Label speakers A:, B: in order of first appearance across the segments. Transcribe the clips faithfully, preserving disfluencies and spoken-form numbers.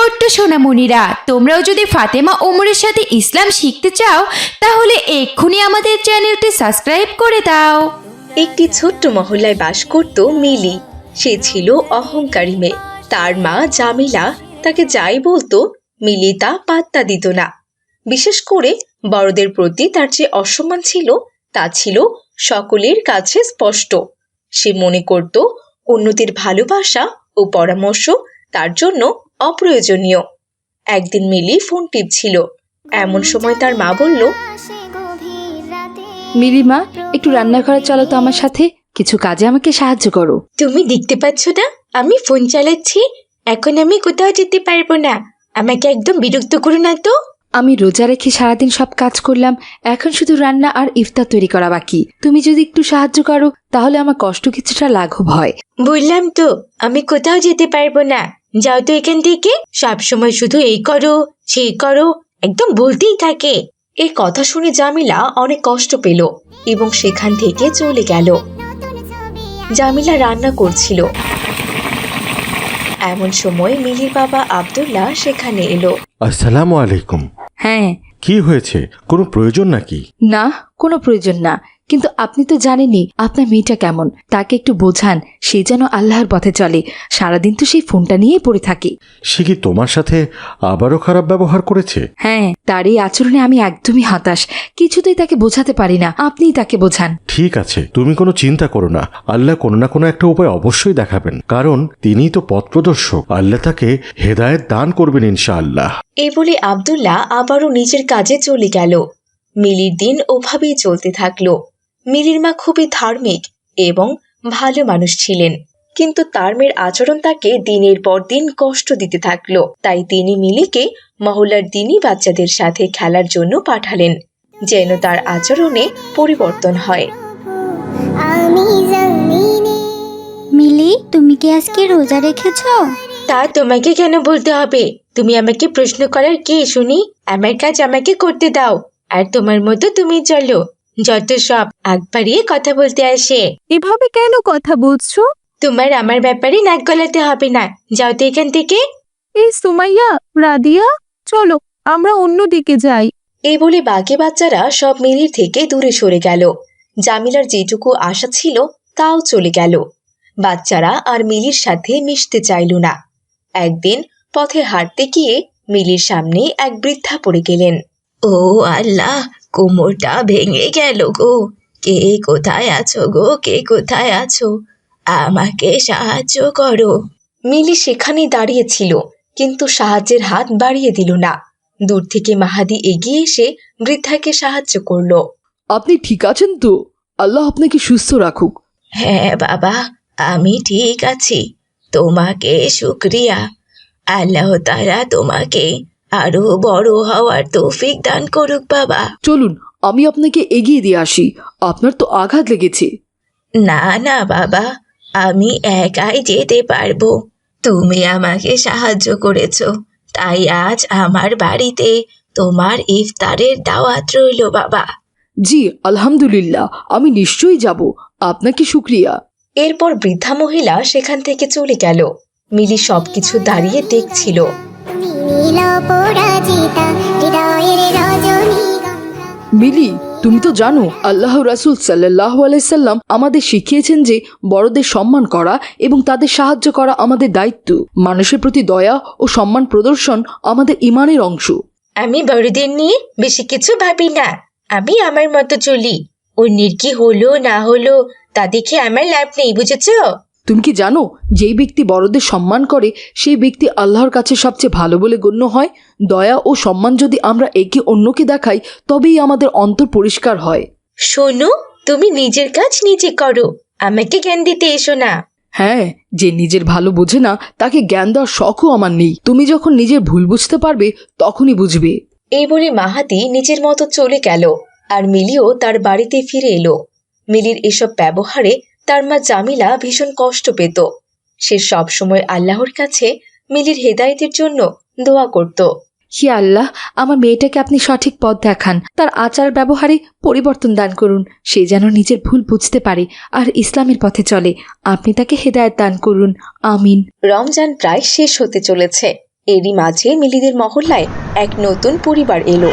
A: ছোট্ট সোনামণিরা, তোমরাও যদি ফাতেমা ওমরের সাথে ইসলাম শিখতে চাও তাহলে এক্ষুনি আমাদের চ্যানেলটি সাবস্ক্রাইব করে দাও।
B: একটি ছোট্ট মহল্লায় বাস করত মিলি। সে ছিল অহংকারী মেয়ে। তার মা জামিলা তাকে যাই বলতো মিলি তা পাত্তা দিত না। বিশেষ করে বড়দের প্রতি তার যে অসম্মান ছিল তা ছিল সকলের কাছে স্পষ্ট। সে মনে করত অন্যদের ভালোবাসা ও পরামর্শ তার জন্য অপ্রয়োজনীয়। একদিন মিলি ফোন টিপছিল, এমন সময় তার মা বলল,
C: মিলি মা, একটু রান্নাঘরে চলো তো আমার সাথে, কিছু কাজে আমাকে সাহায্য করো।
B: তুমি দেখতে পাচ্ছ না আমি ফোন চালাচ্ছি? এখন আমি কোথাও যেতে পারবো না, আমাকে একদম বিরক্ত করো না তো।
C: আমি রোজা রেখে সারাদিন সব কাজ করলাম, এখন শুধু রান্না আর ইফতার তৈরি করা বাকি। তুমি যদি একটু সাহায্য করো তাহলে আমার কষ্ট কিছুটা লাঘব হয়।
B: বললাম তো আমি কোথাও যেতে পারবো না, যাও তো এখান থেকে। সব সময় শুধু এই করো সেই করো, একদম বলতেই থাকে। এই কথা শুনে জামিলা অনেক কষ্ট পেল এবং সেখান থেকে চলে গেল। জামিলা রান্না করছিল, এমন সময় মিলির বাবা আব্দুল্লাহ সেখানে এলো।
D: আসসালামু আলাইকুম।
C: হ্যাঁ।
D: কি হয়েছে, কোনো প্রয়োজন নাকি?
C: না, কোনো প্রয়োজন না, কিন্তু আপনি তো জানেনই আপনার মেয়েটা কেমন। তাকে একটু বোঝান, সে যেন আল্লাহর পথে চলে। সারাদিন তো সেই ফোনটা নিয়েই পড়ে থাকে।
D: সে কি তোমার সাথে আবারও খারাপ ব্যবহার করেছে?
C: হ্যাঁ, তার এই আচরণে আমি একদমই হতাশ। কিছুতেই তাকে বোঝাতে পারি না, আপনিই তাকে বোঝান।
D: ঠিক আছে, তুমি কোনো চিন্তা করো না, আল্লাহ কোনো না কোনো একটা উপায় অবশ্যই দেখাবেন, কারণ তিনিই তো পথ প্রদর্শক। আল্লাহ তাকে হেদায়েত দান করবেন ইনশাআল্লাহ।
B: এই বলে আব্দুল্লাহ আবারও নিজের কাজে চলে গেল। মিলির দিন ওভাবেই চলতে থাকলো। মিলির মা খুবই ধার্মিক এবং ভালো মানুষ ছিলেন, কিন্তু তার মেয়ের আচরণ তাকে দিনের পর দিন কষ্ট দিতে থাকলো। তাই তিনি মিলিকে মহল্লার দিনী বাচ্চাদের সাথে খেলার জন্য পাঠালেন, যেন তার আচরণে পরিবর্তন হয়।
E: মিলি, তুমি কি আজকে রোজা রেখেছো?
B: তা তোমাকে কেন বলতে হবে? তুমি আমাকে প্রশ্ন করার কে শুনি? আমার কাজ আমাকে করতে দাও, আর তোমার মতো তুমি চলো। যত সব আগ বাড়িয়ে কথা বলতে আসে।
F: এভাবে কেন কথা বলছো?
B: তোমার আমার ব্যাপারে নাক গলাতে হবে না, যাও তো এখান থেকে।
F: এই সুমাইয়া, রাদিয়া, চলো আমরা অন্যদিকে যাই।
B: এই বলে বাকি বাচ্চারা সব মিলির থেকে দূরে সরে গেল। জামিলার যেটুকু আশা ছিল তাও চলে গেল। বাচ্চারা আর মিলির সাথে মিশতে চাইল না। একদিন পথে হাঁটতে গিয়ে মিলির সামনে এক বৃদ্ধা পড়ে গেলেন। ও আল্লাহ, কোমরটা ভেঙে গেল গো। কে কোথায় আছো গো, কে কোথায় আছো? আমাকে সাহায্য করো। মিলি সেখানেই দাঁড়িয়েছিল, কিন্তু সাহায্যের হাত বাড়িয়ে দিল না। দূর থেকে মাহাদি এগিয়ে এসে বৃদ্ধাকে সাহায্য করলো।
C: আপনি ঠিক আছেন তো? আল্লাহ আপনাকে সুস্থ রাখুক।
B: হ্যাঁ বাবা, আমি ঠিক আছি, তোমাকে শুকরিয়া। আল্লাহ তাআলা তোমাকে আরো বড় হওয়ার তৌফিক দান করুক বাবা।
C: চলুন আমি আপনাকে এগিয়ে দিয়ে আসি, আপনার তো আঘাত লেগেছে।
B: না না বাবা, আমি একাই যেতে পারবো। তুমি আমাকে সাহায্য করেছো, তাই আজ আমার বাড়িতে তোমার ইফতারের দাওয়াত রইল বাবা।
C: জি আলহামদুলিল্লাহ, আমি নিশ্চয়ই যাব, আপনাকে শুকরিয়া।
B: এরপর বৃদ্ধা মহিলা সেখান থেকে চলে গেল। মিলি সবকিছু দাঁড়িয়ে দেখছিল।
C: মিলি, তুমি তো জানো আল্লাহ রাসূল সাল্লাল্লাহু আলাইহি সাল্লাম আমাদের শিখিয়েছেন যে বড়দের সম্মান করা এবং তাদের সাহায্য করা আমাদের দায়িত্ব। মানুষের প্রতি দয়া ও সম্মান প্রদর্শন আমাদের ঈমানের অংশ।
B: আমি বড়দের নিয়ে বেশি কিছু ভাবি না, আমি আমার মতো চলি। অন্যের কি হলো না হলো তা দেখে আমার লাভ নেই, বুঝেছো?
C: তুমি কি জানো, যেই ব্যক্তি বড়দের সম্মান করে সেই ব্যক্তি আল্লাহর কাছে সবচেয়ে ভালো বলে গণ্য হয়। দয়া ও সম্মান যদি আমরা একে অন্যকে দেখাই তবেই আমাদের অন্তর পরিষ্কার হয়।
B: শোনো, তুমি নিজের কাজ নিজে করো, আমাকে জ্ঞান দিতে এসো না।
C: হ্যাঁ, যে নিজের ভালো বোঝে না তাকে জ্ঞান দেওয়ার শখও আমার নেই। তুমি যখন নিজের ভুল বুঝতে পারবে তখনই বুঝবে।
B: এই বলে মাহাদি নিজের মতো চলে গেল, আর মিলিও তার বাড়িতে ফিরে এলো। মিলির এসব ব্যবহারে তার মা জামিলা ভীষণ কষ্ট পেত। সে সব সময় আল্লাহর কাছে মিলির হেদায়েতের জন্য দোয়া করত।
C: হে আল্লাহ, আমার মেয়েটাকে আপনি সঠিক পথ দেখান, তার আচার ব্যবহারে পরিবর্তন দান করুন, সে যেন নিজের ভুল বুঝতে পারে আর ইসলামের পথে চলে। আপনি তাকে হেদায়েত দান করুন, আমিন।
B: রমজান প্রায় শেষ হতে চলেছে। এরই মাঝে মিলিদের মহল্লায় এক নতুন পরিবার এলো।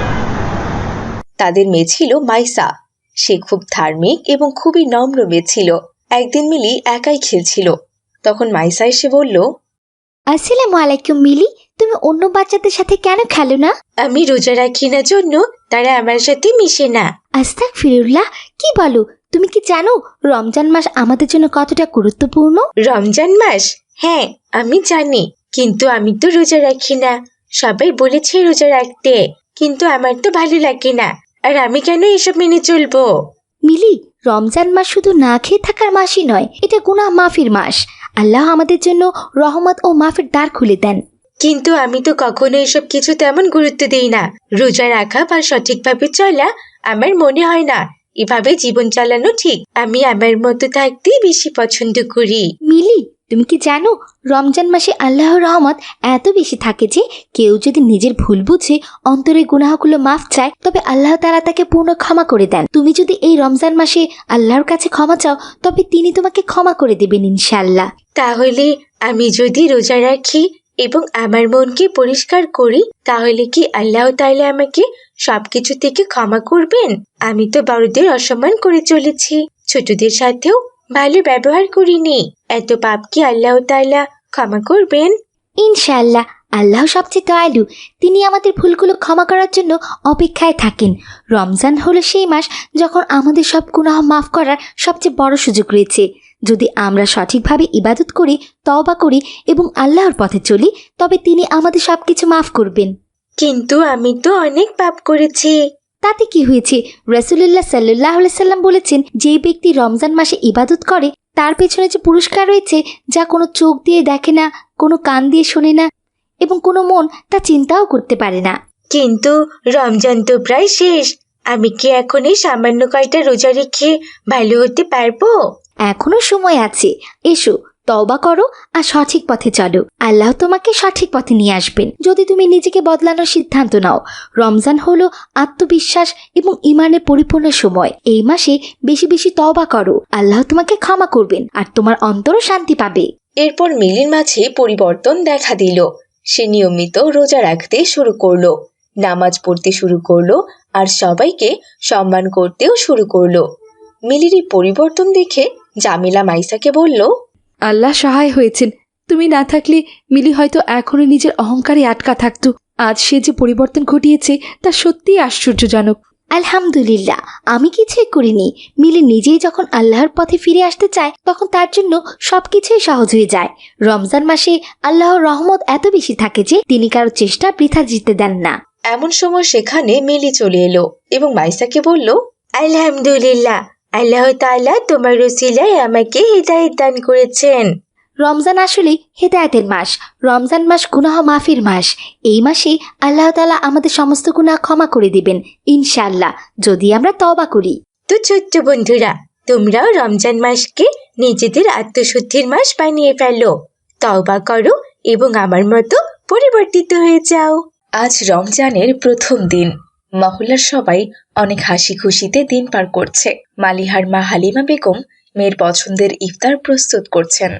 B: তাদের মেয়ে ছিল মাইসা। সে খুব ধার্মিক এবং খুবই নম্র মেয়ে ছিল। একদিন মিলি একাই খেলছিল। তখন মাইসা এসে বলল,
E: আসসালামু আলাইকুম মিলি, তুমি অন্য বাচ্চাদের সাথে কেন খেলো না?
B: আমি রোজা রাখি না জন্য তারা আমার সাথে মিশে না।
E: আস্তাগফিরুল্লাহ, কি বলো? তুমি কি জানো রমজান মাস আমাদের জন্য কতটা গুরুত্বপূর্ণ?
B: রমজান মাস? হ্যাঁ, আমি জানি, কিন্তু আমি তো রোজা রাখি না। সবাই বলেছে রোজা রাখতে, কিন্তু আমার তো ভালো লাগে না। আর আমি কেন এসব মেনে চলবো?
E: মিলি, রমজান মাস শুধু না খেয়ে থাকার মাসই নয়, এটা গুনাহ মাফির মাস। আল্লাহ আমাদের জন্য রহমত ও মাফের দ্বার খুলে দেন।
B: কিন্তু আমি তো কখনো এসব কিছু তেমন গুরুত্ব দেই না। রোজা রাখা বা সঠিকভাবে চলা আমার মনে হয় না এভাবে জীবন চালানো ঠিক। আমি আমার মতো থাকতেই বেশি পছন্দ করি।
E: মিলি, তুমি কি জানো রমজান মাসে আল্লাহর রহমত এত বেশি থাকে যে কেউ যদি নিজের ভুল বুঝে অন্তরের গুনাহগুলো মাফ চায়, তবে আল্লাহ তাআলা তাকে পূর্ণ ক্ষমা করে দেন। তুমি যদি এই রমজান মাসে আল্লাহর কাছে ক্ষমা চাও, তবে তিনি তোমাকে ক্ষমা করে দেবেন ইনশাআল্লাহ।
B: তাহলে আমি যদি রোজা রাখি এবং আমার মনকে পরিষ্কার করি, তাহলে কি আল্লাহ তাআলা আমাকে সবকিছু থেকে ক্ষমা করবেন? আমি তো বড়দের অসম্মান করে চলেছি, ছোটদের সাথেও ভালো ব্যবহার করিনি। এত পাপ কি আল্লাহ তাআলা ক্ষমা করবেন?
E: ইনশাআল্লাহ, আল্লাহ সবচেয়ে দয়ালু। তিনি আমাদের ভুলগুলো ক্ষমা করার জন্য অপেক্ষায় থাকেন। রমজান হলো সেই মাস যখন আমাদের সব গুনাহ মাফ করার সবচেয়ে বড় সুযোগ রয়েছে। যদি আমরা সঠিকভাবে ইবাদত করি, তওবা করি এবং আল্লাহর পথে চলি, তবে তিনি আমাদের সবকিছু মাফ করবেন।
B: কিন্তু আমি তো অনেক পাপ করেছি।
E: তাতে কি হয়েছে? রাসূলুল্লাহ সাল্লাল্লাহু আলাইহি সাল্লাম বলেছেন, যে ব্যক্তি রমজান মাসে ইবাদত করে তার পেছনে যে পুরস্কার রয়েছে, যা কোনো চোখ দিয়ে দেখে না, কোনো কান দিয়ে শোনে না এবং কোনো মন তা চিন্তাও করতে পারে না।
B: কিন্তু রমজান তো প্রায় শেষ। আমি কি এখন এই সামান্য কয়টা রোজা রেখে ভালো হতে পারবো?
E: এখনো সময় আছে। এসো, তওবা করো আর সঠিক পথে চলো। আল্লাহ তোমাকে সঠিক পথে নিয়ে আসবেন যদি তুমি নিজেকে বদলানোর সিদ্ধান্ত নাও। রমজান হলো আত্মবিশ্বাস এবং ইমানের পরিপূর্ণ সময়। এই মাসে বেশি বেশি তওবা করো, আল্লাহ তোমাকে ক্ষমা করবেন আর তোমার অন্তরও শান্তি পাবে।
B: এরপর মিলির মাঝে পরিবর্তন দেখা দিল। সে নিয়মিত রোজা রাখতে শুরু করলো, নামাজ পড়তে শুরু করলো আর সবাইকে সম্মান করতেও শুরু করলো। মিলির এই পরিবর্তন দেখে জামিলা মাইসাকে বলল,
C: আল্লাহ সহায় হয়েছেন। তুমি না থাকলে মিলি হয়তো এখনো নিজের অহংকারে আটকা থাকতো। আজ সে যে পরিবর্তন ঘটিয়েছে তা সত্যিই আশ্চর্যজনক।
E: আলহামদুলিল্লাহ, আমি কিছুই করিনি। মিলি নিজেই যখন আল্লাহর পথে ফিরে আসতে চায়, তখন তার জন্য সবকিছুই সহজ হয়ে যায়। রমজান মাসে আল্লাহর রহমত এত বেশি থাকে যে তিনি কারো চেষ্টা বৃথা যেতে দেন না।
B: এমন সময় সেখানে মিলি চলে এলো এবং মাইসাকে বলল, আলহামদুলিল্লাহ, আল্লাহ তাআলা তোমার ওসিলায় আমাকে হিদায়াত দান করেছেন।
E: রমজান আসলে হেদায়েতের মাস। রমজান মাস গুনাহ মাফির মাস। এই মাসে আল্লাহ তাআলা আমাদের সমস্ত গুনাহ ক্ষমা করে দিবেন ইনশাআল্লাহ, যদি আমরা তওবা করি।
B: তো ছোট্ট বন্ধুরা, তোমরাও রমজান মাসকে নিজেদের আত্মশুদ্ধির মাস বানিয়ে ফেলো, তওবা করো এবং আমার মতো পরিবর্তিত হয়ে যাও। আজ রমজানের প্রথম দিন। মহল্লার সবাই অনেক হাসি খুশিতে দিন পার করছে। মালিহার মা হালিমা বেগম মেয়ের পছন্দের ইফতার প্রস্তুত করছেন।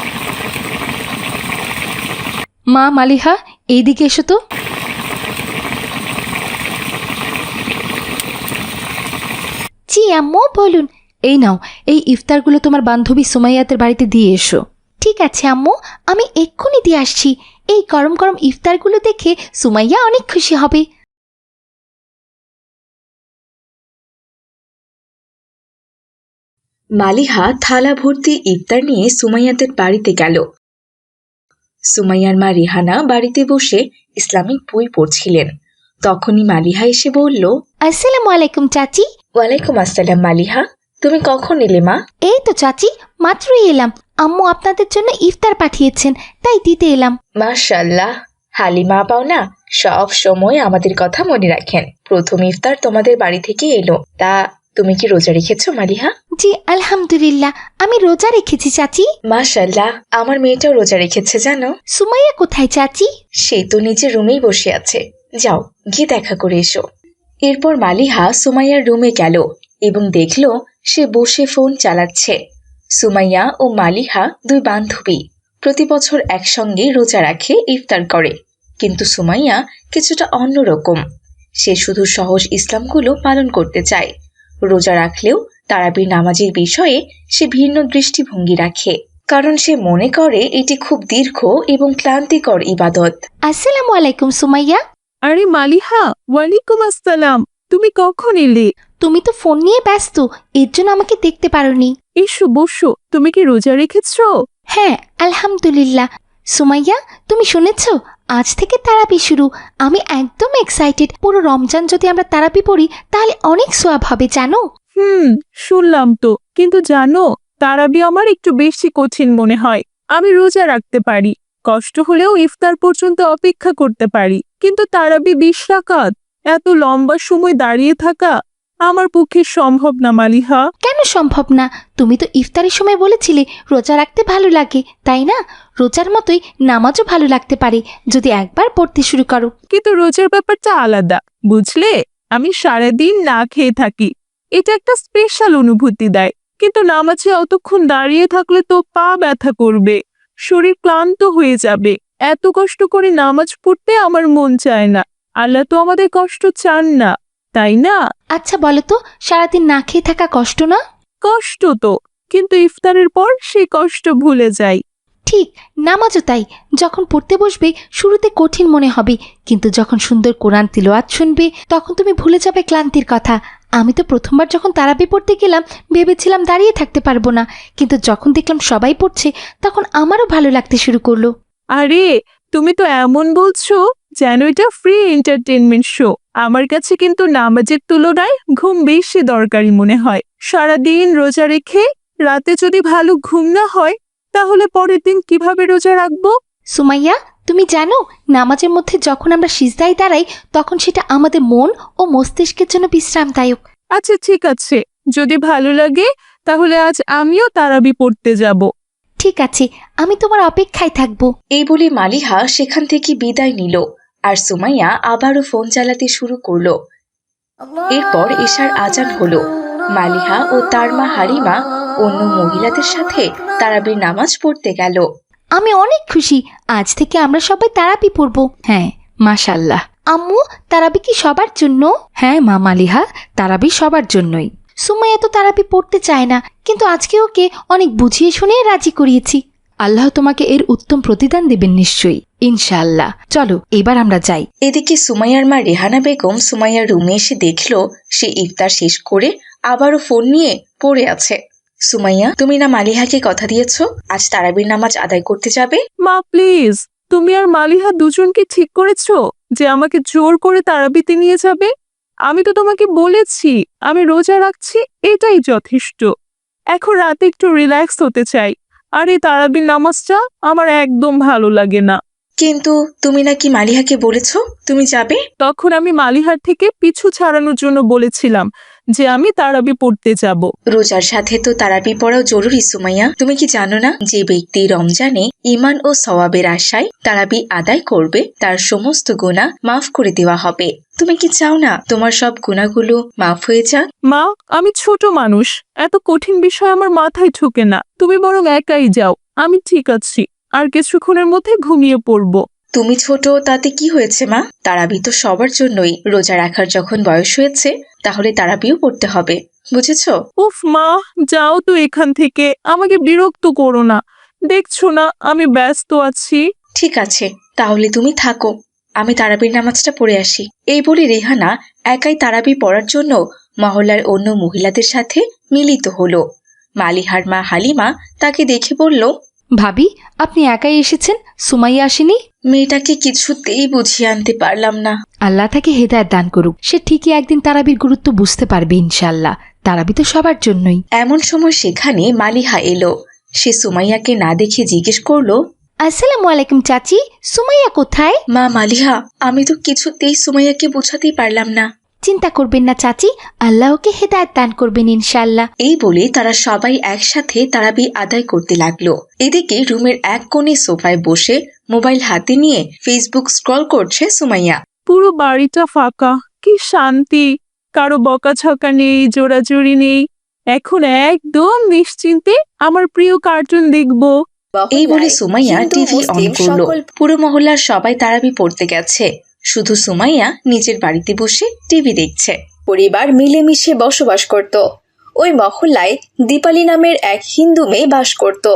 C: মা মালিহা, এইদিকে এসো তো।
E: জি আম্মু, বলুন।
C: এই নাও, এই ইফতারগুলো তোমার বান্ধবী সুমাইয়াতের বাড়িতে দিয়ে এসো।
E: ঠিক আছে আম্মু, আমি এক্ষুনি দিয়ে আসছি। এই গরম গরম ইফতারগুলো দেখে সুমাইয়া অনেক খুশি হবে।
B: মালিহা থালা ভর্তি ইফতার নিয়ে সুমাইয়াদের বাড়িতে গেল। সুমাইয়ার মা রিহানা বাড়িতে বসে ইসলামিক বই পড়ছিলেন। তখনই মালিহা এসে বলল,
E: আসসালামু আলাইকুম চাচি।
B: ওয়ালাইকুম আসসালাম মালিহা, তুমি কখন এলে মা?
E: এই তো চাচি, মাত্রই এলাম। আম্মু আপনাদের জন্য ইফতার পাঠিয়েছেন, তাই দিতে এলাম।
B: মাশাআল্লাহ, হালিমা পাও না সব সময় আমাদের কথা মনে রাখেন। প্রথম ইফতার তোমাদের বাড়ি থেকে এলো। তা তুমি কি রোজা রেখেছো মালিহা?
E: জি আলহামদুলিল্লাহ, আমি রোজা রেখেছি চাচি।
B: মাশাআল্লাহ, আমার মেয়েটাও রোজা রেখেছে জানো।
E: সুমাইয়া কোথায় চাচি?
B: সে তো নিজের রুমেই বসে আছে, যাও গিয়ে দেখা করে এসো। এরপর মালিহা সুমাইয়ার রুমে গেল এবং দেখলো সে বসে ফোন চালাচ্ছে। সুমাইয়া ও মালিহা দুই বান্ধবী প্রতি বছর একসঙ্গে রোজা রাখে, ইফতার করে। কিন্তু সুমাইয়া কিছুটা অন্যরকম। সে শুধু সহজ ইসলামগুলো পালন করতে চায়। রোজা রাখলেও তারাবির নামাজের বিষয়ে সে ভিন্ন দৃষ্টিভঙ্গি রাখে, কারণ সে মনে করে এটি খুব দীর্ঘ এবং ক্লান্তিকর ইবাদত।
E: আসসালামু আলাইকুম সুমাইয়া।
F: আরে মালিহা, ওয়ালাইকুম আসসালাম। তুমি কখন এলে?
E: তুমি তো ফোন নিয়ে ব্যস্ত, এর জন্য আমাকে দেখতে পারোনি।
F: এসো বসো। তুমি কি রোজা রেখেছো?
E: হ্যাঁ আলহামদুলিল্লাহ। সুমাইয়া, তুমি শুনেছো আজ থেকে তারাবি শুরু। আমি একদম এক্সাইটেড। পুরো রমজান যদি আমরা তারাবি পড়ি তাহলে অনেক সোয়াব হবে জানো।
F: হুম, শুনলাম তো। কিন্তু জানো, তারাবি আমার একটু বেশি কঠিন মনে হয়। আমি রোজা রাখতে পারি, কষ্ট হলেও ইফতার পর্যন্ত অপেক্ষা করতে পারি, কিন্তু তারাবি বিশ রাকাত, এত লম্বা সময় দাঁড়িয়ে থাকা আমার পক্ষে সম্ভব না মালিহা।
E: কেন সম্ভব না? তুমি তো ইফতারের সময় বলেছিলে রোজা রাখতে ভালো লাগে, তাই না? রোজার মতোই নামাজও ভালো লাগতে পারে যদি একবার পড়তে শুরু করো।
F: কিন্তু রোজার ব্যাপারটা আলাদা, বুঝলে? আমি সারাদিন না খেয়ে থাকি, এটা একটা স্পেশাল অনুভূতি দেয়। কিন্তু নামাজে অতক্ষণ দাঁড়িয়ে থাকলে তো পা ব্যথা করবে, শরীর ক্লান্ত হয়ে যাবে। এত কষ্ট করে নামাজ পড়তে আমার মন চায় না। আল্লাহ তো আমাদের কষ্ট চান না, তাই না?
E: আচ্ছা বলো তো, সারাদিন না খেয়ে থাকা কষ্ট না?
F: কষ্ট তো, কিন্তু ইফতারের পর সেই কষ্ট ভুলে যাই।
E: ঠিক, নামাজও তাই। যখন পড়তে বসবে শুরুতে কঠিন মনে হবে, কিন্তু যখন সুন্দর কোরআন তিলাওয়াত শুনবে তখন তুমি ভুলে যাবে ক্লান্তির কথা। আমি তো প্রথমবার যখন তারাবি পড়তে গেলাম ভেবেছিলাম দাঁড়িয়ে থাকতে পারবো না, কিন্তু যখন দেখলাম সবাই পড়ছে তখন আমারও ভালো লাগতে শুরু করলো।
F: আরে, তুমি তো এমন বলছো যেন এটা ফ্রি এন্টারটেনমেন্ট শো। আমার কাছে কিন্তু নামাজের তুলনায় ঘুম বেশি দরকারি মনে হয়। সারাদিন রোজা রেখে রাতে যদি ভালো ঘুম না হয় তাহলে পরের দিন কিভাবে রোজা রাখবো?
E: সুমাইয়া, তুমি জানো নামাজের মধ্যে যখন আমরা সিজদায় দাঁড়াই তখন সেটা আমাদের মন ও মস্তিষ্কের জন্য বিশ্রামদায়ক।
F: আচ্ছা ঠিক আছে, যদি ভালো লাগে তাহলে আজ আমিও তারাবি পড়তে যাব।
E: ঠিক আছে, আমি তোমার অপেক্ষায় থাকবো।
B: এই বলে মালিহা সেখান থেকে বিদায় নিল, আর সুমাইয়া আবারও ফোন চালাতে শুরু করলো। এরপর এশার আজান হলো। মালিহা ও তার মা হালিমা অন্য মহিলাদের সাথে তারাবির নামাজ পড়তে গেল।
E: আমি অনেক খুশি, আজ থেকে আমরা সবাই তারাবি পড়বো। হ্যাঁ মাশাল্লাহ। আম্মু, তারাবি কি সবার জন্য? হ্যাঁ মা মালিহা, তারাবি সবার জন্যই। সুমাইয়া তো তারাবি পড়তে চায় না, কিন্তু আজকে ওকে অনেক বুঝিয়ে শুনিয়ে রাজি করিয়েছি। আল্লাহ তোমাকে এর উত্তম প্রতিদান দেবেন নিশ্চয়ই, ইনশাআল্লাহ। চলো এবার আমরা যাই।
B: এদিকে সুমাইয়ার মা রেহানা বেগম সুমাইয়ার রুমে এসে দেখলো সে ইফতার শেষ করে আবারও ফোন নিয়ে পড়ে আছে। সুমাইয়া, তুমি না মালিহাকে কথা দিয়েছো আজ তারাবির নামাজ আদায় করতে যাবে?
F: মা প্লিজ, তুমি আর মালিহা দুজনকে ঠিক করেছো যে আমাকে জোর করে তারাবিতে নিয়ে যাবে? আমি তো তোমাকে বলেছি আমি রোজা রাখছি, এটাই যথেষ্ট। এখন রাতে একটু রিল্যাক্স হতে চাই, আর এই তারাবির নামাজটা আমার একদম ভালো লাগে না।
B: কিন্তু তুমি নাকি মালিহাকে বলেছো তুমি যাবে?
F: তখন আমি মালিহার থেকে পিছু ছাড়ানোর জন্য বলেছিলাম যে আমি তারাবি পড়তে যাব।
B: রোজার সাথে তো তারাবি পড়াও জরুরি সুমাইয়া। তুমি কি জানো না যে ব্যক্তি রমজানে ঈমান ও সওয়াবের আশায় তারাবি আদায় করবে তার সমস্ত গুনাহ মাফ করে দেওয়া হবে? তুমি কি চাও না তোমার সব গুনাহগুলো মাফ হয়ে যাক?
F: মা, আমি ছোট মানুষ, এত কঠিন বিষয় আমার মাথায় ঢোকে না। তুমি বরং একাই যাও, আমি ঠিক আছি। আর কিছুক্ষণের মধ্যে ঘুমিয়ে পড়বো।
B: তুমি ছোট তাতে কি হয়েছে মা? তারাবি তো সবার জন্যই। রোজা রাখার যখন বয়স হয়েছে তাহলে তারাবিও পড়তে হবে, বুঝেছো?
F: উফ মা, যাও তো এখান থেকে, আমাকে বিরক্ত করো না। দেখছো না আমি ব্যস্ত আছি।
B: ঠিক আছে, তাহলে তুমি থাকো, আমি তারাবির নামাজটা পড়ে আসি। এই বলে রেহানা একাই তারাবি পড়ার জন্য মহল্লার অন্য মহিলাদের সাথে মিলিত হলো। মালিহার মা হালিমা তাকে দেখে বলল,
E: ভাবি, আপনি একাই এসেছেন, সুমাইয়া আসেনি?
B: মেয়েটাকে কিছুতেই বুঝিয়ে আনতে পারলাম না।
E: আল্লাহ তাকে হেদায়েত দান করুক, সে ঠিকই একদিন তারাবির গুরুত্ব বুঝতে পারবে ইনশাআল্লাহ। তারাবি তো সবার জন্যই।
B: এমন সময় সেখানে মালিহা এলো। সে সুমাইয়াকে না দেখে জিজ্ঞেস করলো,
E: আসসালামু আলাইকুম চাচি, সুমাইয়া কোথায়?
B: মা মালিহা, আমি তো কিছুতেই সুমাইয়াকে বোঝাতেই পারলাম না।
E: চিন্তা করবেন না চাচি, আল্লাহ ওকে হেদায়েত দান করবেন ইনশাআল্লাহ।
B: এই বলে তারা সবাই একসাথে তারাবি আদায় করতে লাগলো। এদিকে রুমের এক কোণে সোফায় বসে মোবাইল হাতে নিয়ে ফেসবুক স্ক্রল করছে সুমাইয়া।
F: পুরো বাড়িটা ফাঁকা, কি শান্তি। কারো বকাঝকা নেই, জোরাজুরি নেই। এখন একদম নিশ্চিন্তে আমার প্রিয় কার্টুন দেখবো।
B: এই বলে সুমাইয়া টিভি অন করলো। পুরো মহল্লার সবাই তারাবি পড়তে গেছে, শুধু সুমাইয়া নিজের বাড়িতে বসে টিভি দেখছে। পরিবার মিলেমিশে বসবাস করত। ওই মহল্লায় দীপালি নামের এক হিন্দু মেয়ে বাস করত।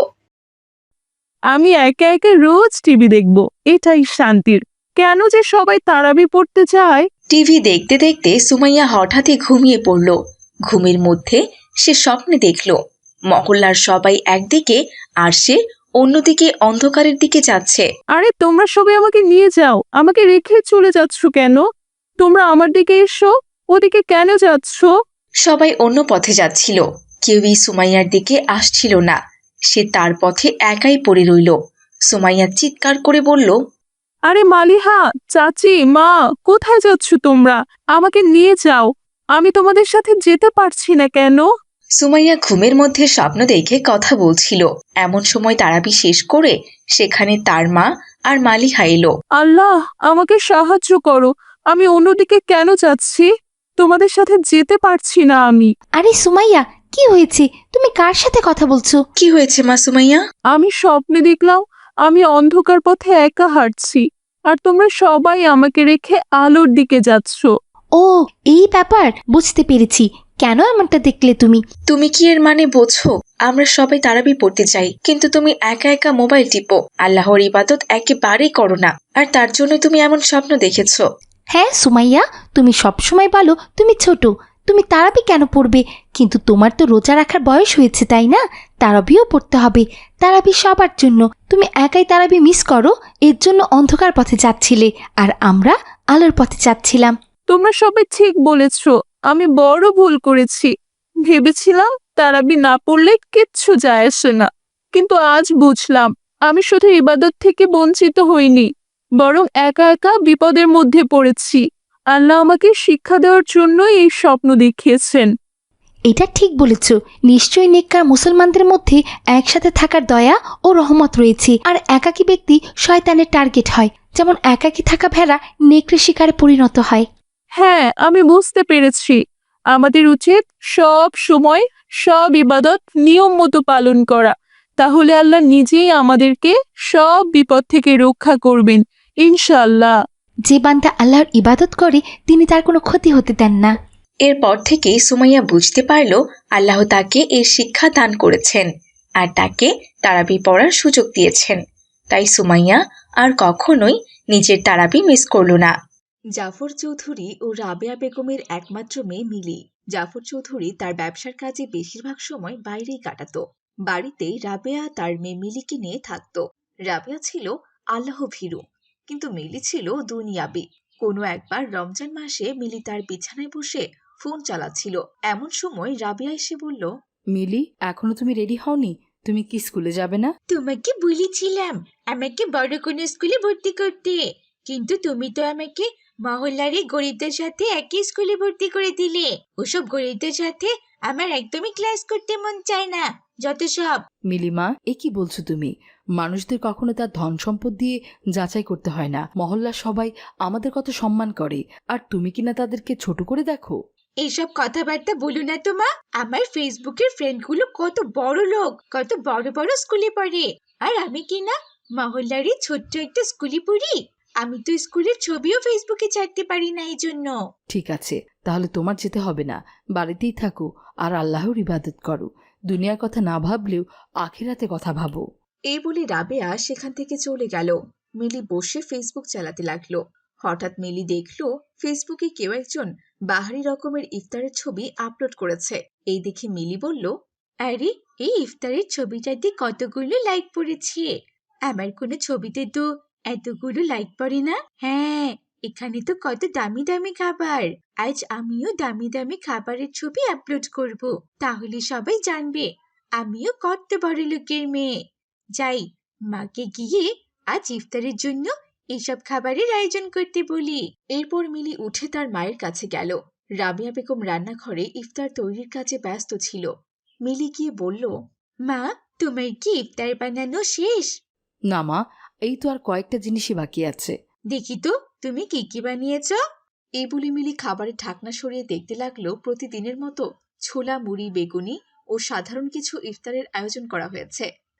F: আমি একা একা রোজ টিভি দেখবো, এটাই শান্তির। কেন যে সবাই তারাবি পড়তে যায়?
B: টিভি দেখতে দেখতে সুমাইয়া হঠাৎই ঘুমিয়ে পড়ল। ঘুমের মধ্যে সে স্বপ্নে দেখল মহল্লার সবাই একদিকে আর সে অন্যদিকে অন্ধকারের দিকে যাচ্ছে।
F: আরে তোমরা সবাই আমাকে নিয়ে যাও, আমাকে রেখে চলে যাচ্ছ কেন? তোমরা আমার দিকে এসো, ওদিকে কেন যাচ্ছ?
B: সবাই অন্য পথে যাচ্ছিল, কেউই সুমাইয়ার দিকে আসছিল না। সে তার পথে একাই পড়ে রইল। সুমাইয়া চিৎকার করে বলল,
F: আরে মালিহা, চাচি, মা, কোথায় যাচ্ছ তোমরা? আমাকে নিয়ে যাও, আমি তোমাদের সাথে যেতে পারছি না কেন?
B: সুমাইয়া ঘুমের মধ্যে স্বপ্ন দেখে কথা বলছিল। এমন সময় তারাবি শেষ করে সেখানে তার মা আর মালিহা এলো।
F: আল্লাহ, আমাকে সাহায্য করো, আমি অন্যদিকে কেন যাচ্ছি? তোমাদের সাথে যেতে পারছি না আমি।
E: আরে সুমাইয়া, কি হয়েছে? তুমি কার সাথে কথা বলছো?
B: কি হয়েছে মা সুমাইয়া?
F: আমি স্বপ্নে দেখলাম আমি অন্ধকার পথে একা হাঁটছি, আর তোমরা সবাই আমাকে রেখে আলোর দিকে যাচ্ছ।
E: ও, এই ব্যাপার, বুঝতে পেরেছি। কেন এমনটা দেখলে তুমি?
B: তুমি কি এর মানে বোঝো? আমরা সবাই তারাবি পড়তে চাই, কিন্তু তুমি একা একা মোবাইল টিপো, আল্লাহর ইবাদত একেবারেই করো না, আর তার জন্য তুমি এমন স্বপ্ন দেখেছো।
E: হ্যাঁ সুমাইয়া, তুমি সবসময় বলো তুমি ছোট, তুমি তারাবি কেন পড়বে? কিন্তু তোমার তো রোজা রাখার বয়স হয়েছে, তাই না? তারাবিও পড়তে হবে। তারাবি সবার জন্য। তুমি একাই তারাবি মিস করো, এর জন্য অন্ধকার পথে যাচ্ছিলে, আর আমরা আলোর পথে যাচ্ছিলাম।
F: তোমরা সবাই ঠিক বলেছ, আমি বড় ভুল করেছি। ভেবেছিলাম তারাবি না পড়লে কিচ্ছু যায় আসে না, কিন্তু আজ বুঝলাম আমি শুধু ইবাদত থেকে বঞ্চিত হইনি, বরং একা একা বিপদের মধ্যে পড়েছি। আল্লাহ আমাকে শিক্ষা দেওয়ার জন্যই এই স্বপ্ন দেখিয়েছেন।
E: এটা ঠিক বলেছ। নিশ্চয়ই নেককার মুসলমানদের মধ্যে একসাথে থাকার দয়া ও রহমত রয়েছে, আর একাকী ব্যক্তি শয়তানের টার্গেট হয়, যেমন একাকী থাকা ভেড়া নেকড়ে শিকারে পরিণত হয়।
F: হ্যাঁ, আমি বুঝতে পেরেছি। আমাদের উচিত সব সময় সব ইবাদত নিয়ম মতো পালন করা, তাহলে আল্লাহ নিজেই আমাদেরকে সব বিপদ থেকে রক্ষা করবেন ইনশাআল্লাহ।
E: যে বান্দা আল্লাহর ইবাদত করে তিনি তার কোনো ক্ষতি হতে দেন না।
B: এরপর থেকে সুমাইয়া বুঝতে পারল আল্লাহ তাকে এর শিক্ষা দান করেছেন আর তাকে তারাবি পড়ার সুযোগ দিয়েছেন। তাই সুমাইয়া আর কখনোই নিজের তারাবি মিস করল না। জাফর চৌধুরী ও রাবেয়া বেগমের একমাত্র মেয়ে মিলি। জাফর চৌধুরী তার ব্যবসার কাজে বেশিরভাগ সময় বাইরেই কাটাতো। বাড়িতেই রাবেয়া তার মেয়ে মিলিকে নিয়ে থাকত। রাবেয়া ছিল আল্লাহ ভীরু, কিন্তু মিলি ছিল দুনিয়াবি। কোনো একবার রমজান মাসে মিলি তার বিছানায় বসে ফোন চালাচ্ছিল। এমন সময় রাবেয়া এসে বলল,
C: মিলি, এখনো তুমি রেডি হওনি? তুমি কি স্কুলে যাবে না?
G: তোমাকে বলেছিলাম আমাকে বড় কোনো স্কুলে ভর্তি করতে, কিন্তু তুমি তো আমাকে মহল্লার এই গরিবদের সাথে একই স্কুলে ভর্তি করে দিলে। ওসব গরিবদের সাথে আমার একদমই ক্লাস করতে মন চায় না, যত সব।
C: মিলিমা, এ কি বলছো তুমি? মানুষদের কখনো তার ধন সম্পদ দিয়ে যাচাই করতে হয় না। মহল্লার সবাই আমাদের কত সম্মান করে, আর তুমি কিনা তাদেরকে ছোট করে দেখো।
G: এইসব কথাবার্তা বলো না তো মা। আমার ফেসবুকের ফ্রেন্ডগুলো কত বড় লোক, কত বড় বড় স্কুলে পড়ে, আর আমি কিনা মহল্লারই ছোট্ট একটা স্কুলে পড়ি। আমি তো স্কুলের ছবিও ফেসবুকে ছাড়তে পারি না, এই জন্য।
C: ঠিক আছে, তাহলে তোমার যেতে হবে না, বাড়িতেই থাকো আর আল্লাহর ইবাদত করো। দুনিয়ার কথা না ভাবলেও আখিরাতে কথা ভাবো।
B: এই বলে রাবেয়া সেখান থেকে চলে গেল। মিলি বসে ফেসবুক চালাতে লাগলো। হঠাৎ মিলি দেখলো ফেসবুকে কেউ একজন বাহারি রকমের ইফতারের ছবি আপলোড করেছে। এই দেখে মিলি বলল,
G: আরে, এই ইফতারের ছবিটাতে কতগুলো লাইক পড়েছে। আমার কোনো ছবিতে তো এতগুলো লাইক পড়ে না। হ্যাঁ, এখানে তো কত দামি দামি খাবার। আজ আমিও দামি দামি খাবারের ছবি আপলোড করব, তাহলে সবাই জানবে আমিও কত বড় লোকের মেয়ে। যাই, মাকে গিয়ে আজ ইফতারের জন্য এসব খাবারের আয়োজন করতে বলি।
B: এরপর মিলি উঠে তার মায়ের কাছে গেল। রাবেয়া বেগম রান্নাঘরে ইফতার তৈরির কাজে ব্যস্ত ছিল। মিলি গিয়ে বলল,
G: মা, তোমার কি ইফতার বানানো শেষ?
C: না মা, এই তো আর কয়েকটা জিনিসই বাকি আছে।
G: দেখি তো তুমি কি কি বানিয়েছ।
B: এই বলে মিলি খাবারের ঢাকনা সরিয়ে দেখতে লাগলো প্রতিদিনের মতো ছোলা, মুড়ি, বেগুনি ও সাধারণ কিছু ইফতারের আয়োজন করা হয়েছে।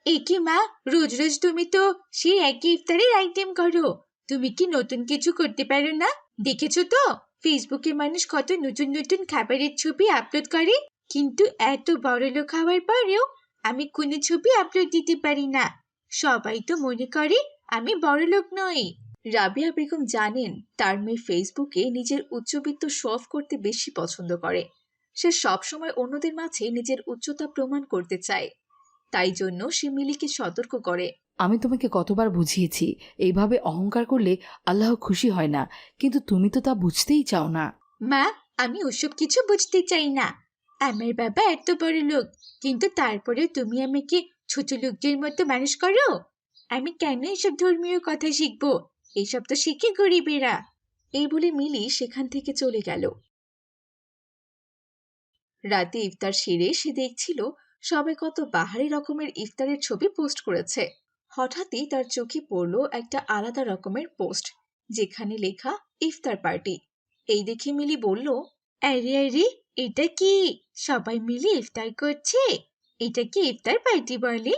G: এ কি মা, রোজ রোজ তুমি তো সেই একই ইফতারের আইটেম করো। তুমি কি নতুন কিছু করতে পারো না? দেখেছো তো ফেসবুকে মানুষ কত নতুন নতুন খাবারের ছবি আপলোড করে, কিন্তু এত বড় লোক হওয়ার পরেও আমি কোনো ছবি আপলোড দিতে পারি না। সবাই তো মনে করে আমি বড় লোক নই।
B: রাবিয়া বেগম জানেন তার মেয়ে ফেসবুকে নিজের উচ্চবিত্ত শো অফ করতে বেশি পছন্দ করে। সে সবসময় অন্যদের মাঝে নিজের উচ্চতা প্রমাণ করতে চায়। তাই জন্য সে মিলিকে সতর্ক করে।
C: আমি তোমাকে কতবার বুঝিয়েছি, এইভাবে অহংকার করলে আল্লাহ খুশি হয় না, কিন্তু তুমি তো তা বুঝতেই চাও না।
G: মা, আমি ওসব কিছু বুঝতে চাই না। আমার বাবা এত বড় লোক, কিন্তু তারপরে তুমি আমাকে ছোট লোকদের মতো মানুষ করো। আমি কেন এসব ধর্মীয় কথা শিখবো? এসব তো শিখে গরিবেরা।
B: এই বলে মিলি সেখান থেকে চলে গেল। রাতে ইফতার সেরে সে দেখছিল সবাই কত বাহারি রকমের ইফতারের ছবি পোস্ট করেছে। হঠাৎই তার চোখে পড়ল একটা আলাদা রকমের পোস্ট, যেখানে লেখা ইফতার পার্টি। এই দেখে মিলি বলল,
G: আরে আরে, এটা কি সবাই মিলে ইফতার করছে? এটা কি ইফতার পার্টি বলে?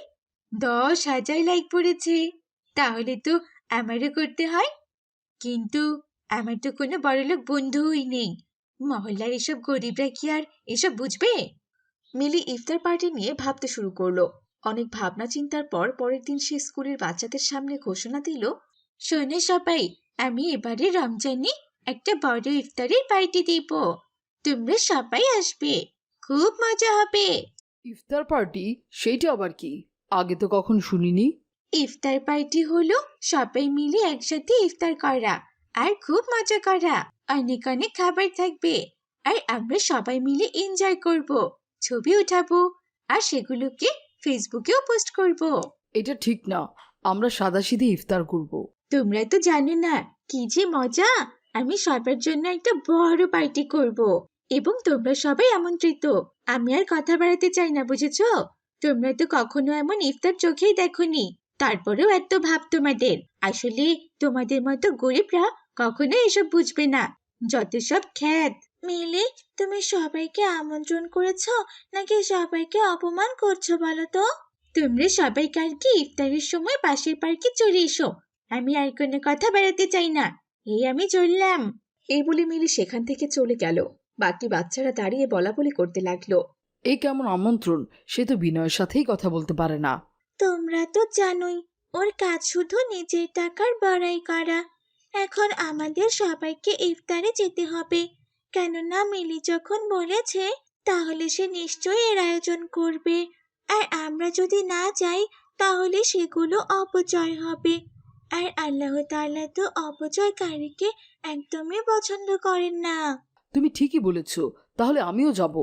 G: দশ হাজার লাইক পড়েছে। তাহলে তো আমারও করতে হয়। কিন্তু আমার তো কোনো বড়লোক বন্ধুই নেই। মহল্লার এসব গরিবরা কি আর এসব বুঝবে?
B: মিলি ইফতার পার্টি নিয়ে ভাবতে শুরু করলো। অনেক ভাবনা চিন্তার পর পরের দিন সে স্কুলের বাচ্চাদের সামনে ঘোষণা দিল,
G: শোনো সবাই, আমি এবারে রমজানে একটা বড় ইফতারের পার্টি দিব। তোমরা সবাই আসবে, খুব মজা হবে।
C: ইফতার পার্টি? সেইটা আবার কি? আগে তো কখন শুনিনি।
G: ইফতার পার্টি হলো সবাই মিলে একসাথে ইফতার করা আর খুব মজা করা। অনেক অনেক খাবার থাকবে আর আমরা সবাই মিলে এনজয় করব, ছবি উঠাবো আর সেগুলোকে ফেসবুকেও পোস্ট করব।
C: এটা ঠিক না, আমরা সাদাসিধে ইফতার করব।
G: তোমরা তো জানো না কি যে মজা। আমি সবার জন্য একটা বড় পার্টি করব এবং তোমরা সবাই আমন্ত্রিত। আমি আর কথা বাড়াতে চাই না, বুঝেছো? তোমরা তো কখনো এমন ইফতার চোখেই দেখোনি, তারপরেও এত ভাব তোমাদের। আসলে তোমাদের মতো গরিবরা কখনো এসব বুঝবে না, যত সব খ্যাত। মিলি, তুমি সবাইকে আমন্ত্রণ করেছো নাকি সবাইকে অপমান করছো বলো তো? তোমরা সবাই কালকে ইফতারের সময় পাশের পার্কে চলে এসো। আমি আর কোনো কথা বাড়াতে চাই না। এই আমি চললাম।
B: এই বলে মিলি সেখান থেকে চলে গেল। বাকি বাচ্চারা দাঁড়িয়ে বলা বলি করতে লাগলো,
C: এ কেমন আমন্ত্রণ? সে তো বিনয়ের সাথেই কথা বলতে পারে না।
G: তোমরা তো জানোই ওর কাজ শুধু নিজের টাকার বড়াই করা। এখন আমাদের সবাইকে ইফতারে যেতে হবে, কেননা মিলি যখন বলেছে তাহলে সে নিশ্চয়ই এর আয়োজন করবে। আর আমরা যদি না যাই তাহলে সেগুলো অপচয় হবে, আর আল্লাহ তাআলা তো অপচয়কারীকে একদমই পছন্দ করেন না।
C: তুমি ঠিকই বলেছ, তাহলে আমিও যাব।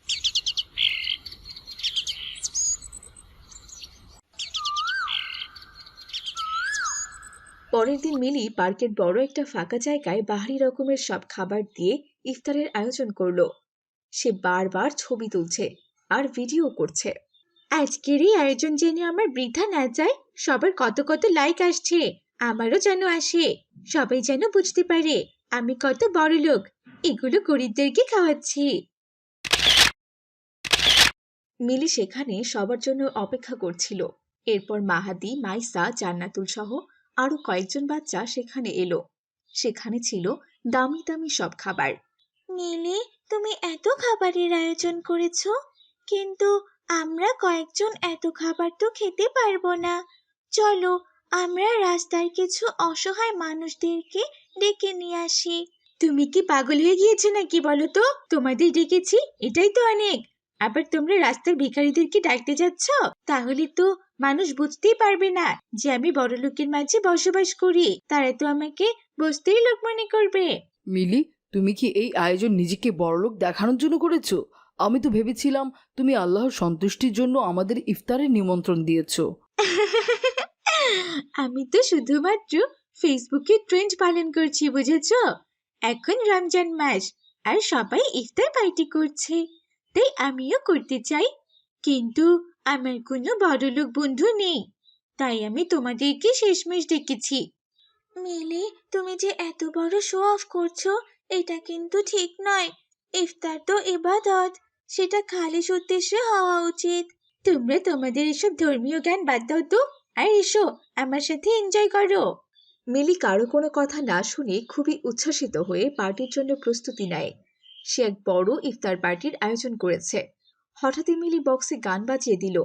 B: পরের দিন মিলি পার্কের বড় একটা ফাঁকা জায়গায় বাহারি রকমের সব খাবার দিয়ে ইফতারের আয়োজন করলো। সে বারবার ছবি তুলছে আর ভিডিও করছে।
G: আজকের এই আয়োজন যেন আমার বৃথা না যায়। সবার কত কত লাইক আসছে, আমারও যেন আসে। সবাই যেন বুঝতে পারে আমি কত বড় লোক, এগুলো গরিবদেরকে খাওয়াচ্ছি।
B: মিলি সেখানে সবার জন্য অপেক্ষা করছিল। এরপর মাহাদি, মাইসা, জান্নাতুল সহ আরো কয়েকজন বাচ্চা সেখানে এলো। সেখানে ছিল দামি দামি সব খাবার।
G: মিলি, তুমি এত খাবারের আয়োজন করেছো, কিন্তু আমরা কয়েকজন এত খাবার তো খেতে পারবো না। চলো আমরা রাস্তার কিছু অসহায় মানুষদেরকে ডেকে নিয়ে আসি। তুমি কি পাগল হয়ে গিয়েছো নাকি বলো তো? তোমাদের ডেকেছি, এটাই তো অনেক। আবার তোমরা রাস্তার ভিখারিদেরকে ডাকতে যাচ্ছ? তাহলে তো মানুষ বুঝতেই পারবে না যে আমি বড় লোকের মাঝে বসবাস করি। তারা তো আমাকে বসতেই লোক মনে করবে।
C: মিলি, তুমি কি এই আয়োজন নিজেকে বড়লোক দেখানোর জন্য করেছো? আমি তো ভেবেছিলাম তুমি আল্লাহর সন্তুষ্টির জন্য আমাদের ইফতারের নিমন্ত্রণ দিয়েছো।
G: আমি তো শুধুমাত্র ফেসবুকে ট্রেন্ড পালন করছি, বুঝেছো? এখন রমজান মাস আর সবাই ইফতার পার্টি করছে, তাই আমিও করতে চাই। কিন্তু আমার কোনো বড়লোক বন্ধু নেই, তাই আমি তোমাদেরকে শেষমেশ ডেকেছি। মিলি, তুমি যে এত বড় শো অফ করছো, এটা কিন্তু ঠিক নয়। ইফতার তো ইবাদত, সেটা খালিস উদ্দেশ্যে হওয়া উচিত। তোমরা তোমাদের এসব ধর্মীয় জ্ঞান বাদ দাও তো, আর এসো আমার সাথে এনজয় করো।
B: মিলি কারো কোনো কথা না শুনে খুবই উচ্ছ্বাসিত হয়ে পার্টির জন্য প্রস্তুতি নেয়। সে এক বড় ইফতার পার্টির আয়োজন করেছে। হঠাৎই মিলি বক্সে গান বাজিয়ে দিল।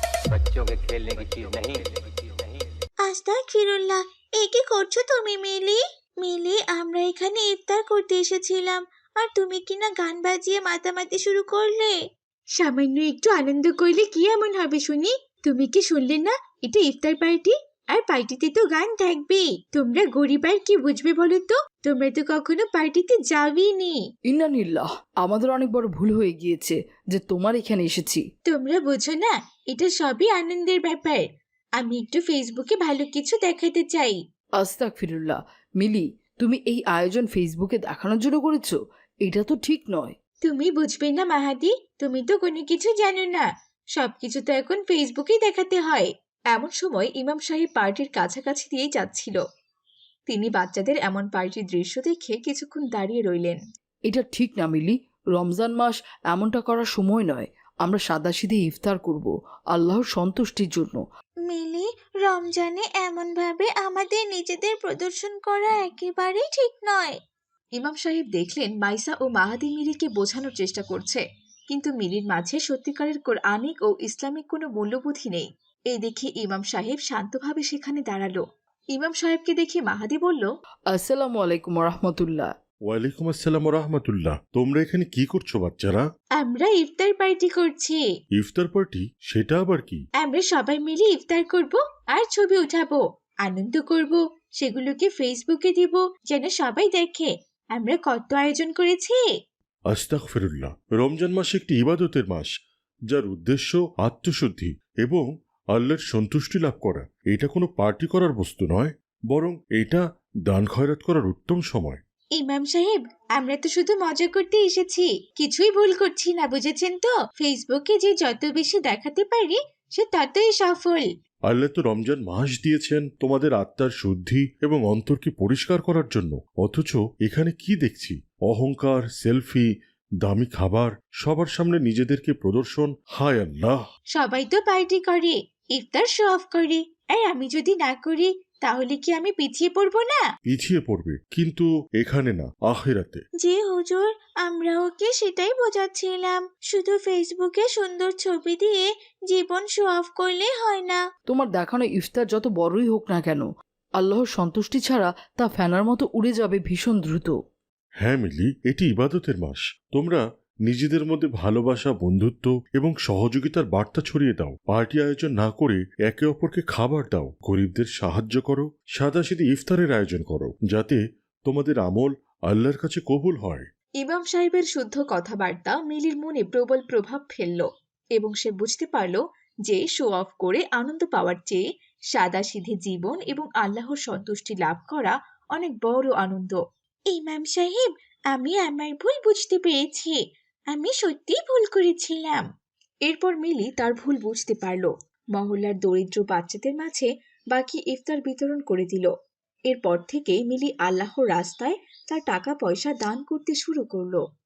G: আস্তাগফিরুল্লাহ, এ কি করছো তুমি মিলি? মিলি, আমরা এখানে ইফতার করতে এসেছিলাম, আর তুমি কিনা গান বাজিয়ে মাতামাতি শুরু করলে। সামান্য একটু আনন্দ করলে কি এমন হবে শুনি? তুমি কি শুনলে না, এটা ইফতার পার্টি, আর পার্টিতে তো গান থাকবেই। তোমরা গরিব আর কি বুঝবে বলো তো? তোমরা তো কখনো পার্টিতে যাবেনি।
C: ইন্নানিল্লাহ, আমাদের অনেক বড় ভুল হয়ে গিয়েছে যে তোমার এখানে এসেছি।
G: তোমরা বোঝো না, এটা সবই আনন্দের ব্যাপার। আমি একটু ফেসবুকে ভালো কিছু দেখাতে চাই।
C: আস্তাগফিরুল্লাহ, মিলি, তুমি এই আয়োজন ফেসবুকে দেখানোর জন্য করেছো? এটা তো ঠিক নয়।
G: তুমি বুঝবে না মাহাদি, তুমি তো কোনো কিছু জানো না। সবকিছু তো এখন ফেসবুকেই দেখাতে হয়।
B: এমন সময় ইমাম সাহেব পার্টির কাছাকাছি দিয়েই যাচ্ছিল। তিনি বাচ্চাদের এমন পার্টির দৃশ্য দেখে কিছুক্ষণ দাঁড়িয়ে রইলেন।
C: এটা ঠিক না মিলি, রমজান মাস এমনটা করার সময় নয়। আমরা সাদাসিধে ইফতার করব আল্লাহর সন্তুষ্টির জন্য।
G: মিলি, রমজানে এমন ভাবে আমাদের নিজেদের প্রদর্শন করা একেবারেই ঠিক নয়।
B: ইমাম সাহেব দেখলেন মাইসা ও মাহাদি মিলিকে বোঝানোর চেষ্টা করছে, কিন্তু মিলির মাঝে সত্যিকারের কোরআনিক ও ইসলামিক কোনো মূল্যবোধই নেই। এই দেখে ইমাম সাহেব শান্তভাবে সেখানে দাঁড়ালো। ইমাম সাহেবকে দেখে মাহাদি বলল,
C: আসসালামু আলাইকুম রহমতুল্লাহ।
D: ওয়ালাইকুম আসসালাম রহমতুল্লাহ। তোমরা এখানে কি করছো বাচ্চারা?
G: আমরা ইফতার পার্টি করছি।
D: ইফতার পার্টি? সেটা আবার কি?
G: আমরা সবাই মিলে ইফতার করব আর ছবি উঠাবো, আনন্দ করব, সেগুলোকে ফেসবুকে দিব যেন সবাই দেখে আমরা কত আয়োজন করেছি।
D: আস্তাগফিরুল্লাহ, রমজান মাস একটি ইবাদতের মাস, যার উদ্দেশ্য আত্মশুদ্ধি এবং আল্লাহর সন্তুষ্টি লাভ করা। এটা কোনো পার্টি করার বস্তু নয়, বরং এটা দান খয়রাত করার উত্তম সময়।
G: ইমাম সাহেব, আমরা তো শুধু মজা করতে এসেছি, কিছুই ভুল করছি না, বুঝেছেন তো? ফেসবুকে যে যত বেশি দেখাতে পারি সে ততই সফল।
D: আল্লাহ তো রমজান মাস দিয়েছেন তোমাদের আত্মার শুদ্ধি এবং অন্তরকে পরিষ্কার করার জন্য, অথচ এখানে কি দেখছি? অহংকার, সেলফি, দামি খাবার, সবার সামনে নিজেদেরকে প্রদর্শন। হায় আল্লাহ!
G: সবাই তো পার্টি করে, ইফতার শো অফ করে, আর আমি যদি না করি তাহলে কি আমি পিছিয়ে পড়বো না?
D: পিছিয়ে পড়বে, কিন্তু এখানে না, আখিরাতে।
G: জি হুজুর, আমরা ওকে সেটাই বোঝাচ্ছিলাম। শুধু ফেসবুকে সুন্দর ছবি দিয়ে জীবন শো অফ করলে হয় না।
C: তোমার দেখানো ইফতার যত বড়ই হোক না কেন, আল্লাহর সন্তুষ্টি ছাড়া তা ফ্যানার মতো উড়ে যাবে ভীষণ দ্রুত।
D: হ্যাঁ মিলি, এটি ইবাদতের মাস। তোমরা নিজেদের মধ্যে ভালোবাসা, বন্ধুত্ব এবং সহযোগিতার বার্তা ছড়িয়ে দাও। পার্টি আয়োজন না করে একে অপরকে খাবার দাও, গরিবদের সাহায্য করো, সাদাসিধে ইফতারের আয়োজন করো, যাতে তোমাদের আমল আল্লাহর কাছে কবুল হয়।
B: ইমাম সাহেবের শুদ্ধ কথাবার্তা মিলির মনে প্রবল প্রভাব ফেলল এবং সে বুঝতে পারল যে শো অফ করে আনন্দ পাওয়ার চেয়ে সাদাসিধে জীবন এবং আল্লাহর সন্তুষ্টি লাভ করা অনেক বড় আনন্দ।
G: ইমাম সাহেব, আমি আমার ভুল বুঝতে পেরেছি। আমি সত্যিই ভুল করেছিলাম।
B: এরপর মিলি তার ভুল বুঝতে পারল। মহল্লার দরিদ্র বাচ্চাদের মাঝে বাকি ইফতার বিতরণ করে দিল। এরপর থেকে মিলি আল্লাহর রাস্তায় তার টাকা পয়সা দান করতে শুরু করলো।